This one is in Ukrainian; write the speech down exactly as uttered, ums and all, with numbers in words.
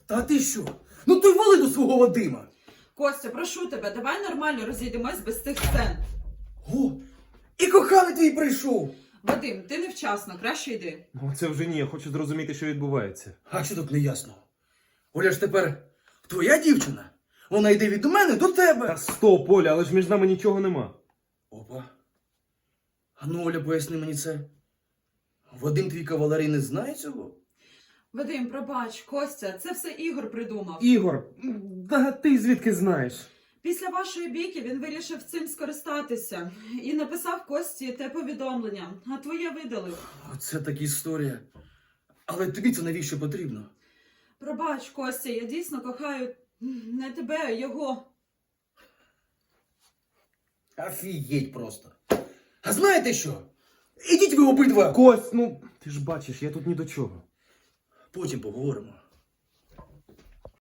Та ти що? Ну то й вали до свого Вадима. Костя, прошу тебе, давай нормально розійдемось без тих сцен. О, і коханий твій прийшов. Вадим, ти невчасно, краще йди. Ну, це вже ні, я хочу зрозуміти, що відбувається. А що тут неясного? Оля ж тепер твоя дівчина. Вона йде від мене до тебе. Та стоп, Оля, але ж між нами нічого нема. Опа. А ну, Оля, поясни мені це. Вадим твій кавалерій не знає цього? Вадим, пробач, Костя, це все Ігор придумав. Ігор, да ти звідки знаєш? Після вашої бійки він вирішив цим скористатися і написав Кості те повідомлення, а твоє видалив. Оце так історія. Але тобі це навіщо потрібно? Пробач, Костя, я дійсно кохаю не тебе, а його. Офігеть просто. А знаєте що? Ідіть ви обидва. Кость, ну ти ж бачиш, я тут ні до чого. Потім поговоримо.